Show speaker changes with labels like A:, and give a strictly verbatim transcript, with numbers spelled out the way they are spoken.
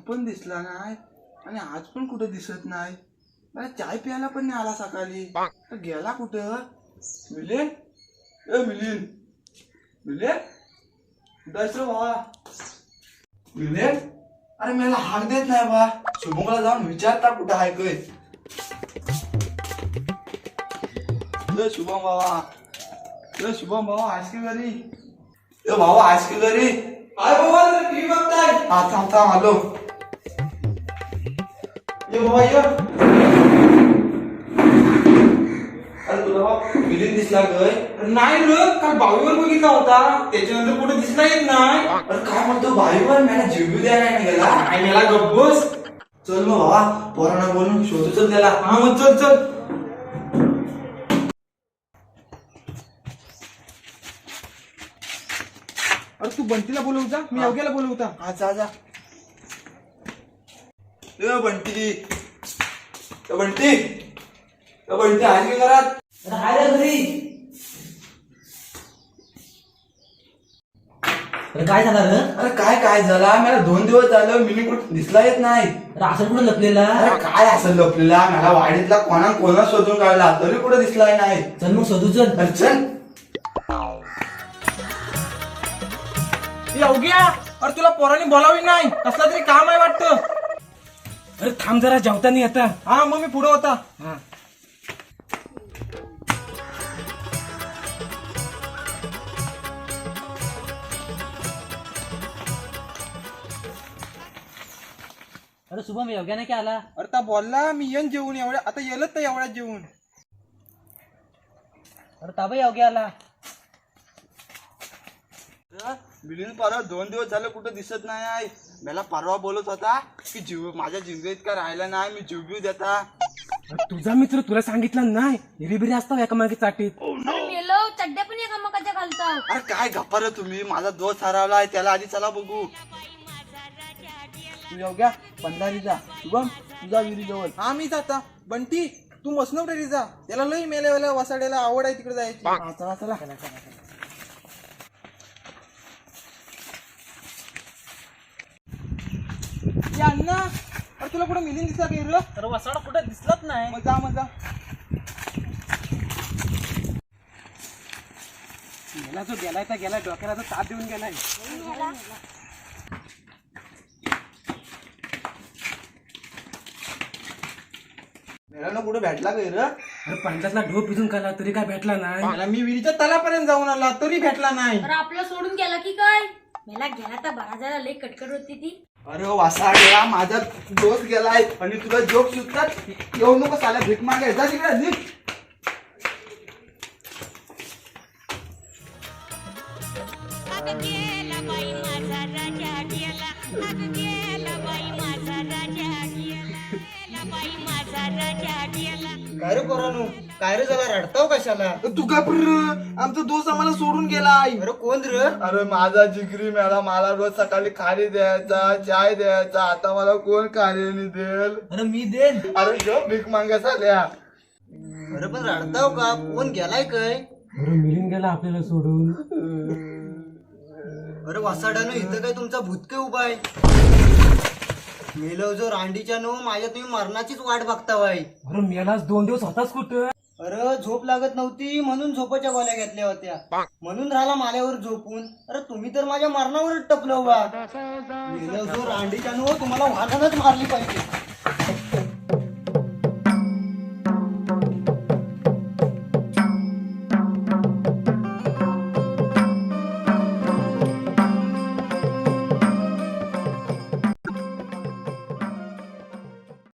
A: पण दिसला नाही आणि आज पण कुठं दिसत नाही. मला चाय प्यायला पण नाही आला सकाळी. तर गेला कुठं? मिलिंद, ए मिलिंद, मिलिंद, कुठं बा? मिलिंद, अरे मला हाक देत नाही बा. शुभमला जाऊन विचारता कुठं आहे काय. ए शुभम बाबा, ए शुभम बाबा आज की घरी? ए भाऊ आज की घरी?
B: आय बाबा टीव्ही बघताय?
A: हा थांब थांब आलो.
B: ये बाबा ये.
A: अरे तुला बाबा मिलिंद दिसला गय?
B: नाही रे, काल बावीवर बघितला होता, त्याच्यानंतर कुठे दिसला येत नाही.
A: अरे काय म्हणतो भाईवर? मला जीव द्या नाही गेला.
B: नाही मला गप्पस.
A: चल मग बाबा पोरांना बोलून शोधू चल त्याला.
B: हा मग चल चल. अरे तू बंटीला बोलवू जा, मी योग्याला बोलवता.
A: हा जा जा. ए बंटी, ए बंटी, ए बंटी आहे की घरात?
C: हाय रे घरी. अरे काय झालं रे?
A: अरे काय काय झाला? मला दोन दिवस झालं मिनी कुठं दिसला येत नाही.
C: अरे असं कुठं लपलेला?
A: अरे काय असं लपलेला? मला वाडीतला कोणा कोणा शोधून काढला तरी कुठं दिसलाय नाही.
C: चल मग शोधू चल.
A: अरे चल.
B: योग्या, अरे तुला पोरांनी बोलावी नाही, कसला तरी काम आहे वाटतं. अरे थांब जरा, जेवताना येता. हा मग मी पुढे होता. हा
C: अरे शुभम योग्याने काय आला?
B: अरे ता बोलला मी येऊन जेवून एवढ्या, आता येलच तर एवढ्यात जेवून.
C: अरे ताबा योग्या आला.
A: मिलिंद परवा दोन दिवस झालं कुठं दिसत नाही आहे. मला परवा बोलत होता की जीव माझ्या जिंदगीत इतका राहिला नाही, मी जीव घेऊ देता.
B: अरे तुझा मित्र तुला सांगितलं नाही, हिरीबिरी असतो एकामागे चाटीत.
D: मेलो चड्ड्या पण एकामेकाच्या घालतात.
A: अरे काय गप्पा रे तुम्ही? माझा दोस्त हरवलाय, त्याला आधी चला बघू.
B: तू योग्या पंधारी जा, शुभम तुझा विहिरी जवळ. हा मी जाता. बंटी तू मसनवटेरी जा, त्याला लई मेल्यावाल्या वसाड्याला आवड आहे तिकडे जायची. हा, चला चला. ये अण्णा, अरे तुला कुठं मिलिंद दिसला काही रे?
C: अरे वसाडा कुठं दिसलाच नाही.
B: मग जा मग जा. गेला जो गेलाय तर गेलाय, डोक्याला तर ताप देऊन गेलाय.
A: मेला कुठे भेटला काय रे?
B: अरे पंचायतला ढोप पिजून काढला तरी काय भेटला नाही. मला मी विहिरीच्या तलापर्यंत जाऊन आला तरी भेटला नाही.
D: अरे आपलं सोडून गेला की काय? मला गेला तर बरा झाला, लई कटकट होती ती.
A: अरे वासा गेला, माझा दोस्त गेलाय आणि तुला जोक सुचतात. येऊ नको साला, भीक मागे जा तिकडे. निघ.
B: काय रे पोरानू, काय रे झाला, रडताव कशाला? तू का आमचा दोस्त आम्हाला सोडून गेलाय. अरे कोण रे?
A: अरे माझा जिगरी मेला, मला रोज सकाळी खारी द्यायचा, चाय द्यायचा. आता मला कोण खारी देल?
C: अरे मी देन.
A: अरे जो भीक मागा साल्या.
B: अरे पण रडताव का? कोण गेलाय काय? अरे मिलिंद गेला आपल्याला सोडून. अरे वासाड्यानं इथं काय तुमचा भूतके उभा आहे? मेलो जो रांडीच्या नो, माझ्या तुम्ही मरणाचीच वाट बघता बाई. अरे मेलाच दोन दिवस होताच कुठं? अरे झोप लागत नव्हती म्हणून झोपाच्या गोळ्या घेतल्या होत्या, म्हणून राहिला माल्यावर झोपून. अरे तुम्ही तर माझ्या मरणावरच टपलो बा. मेलो जो रांडीच्या नो, तुम्हाला वाघानच मारली पाहिजे.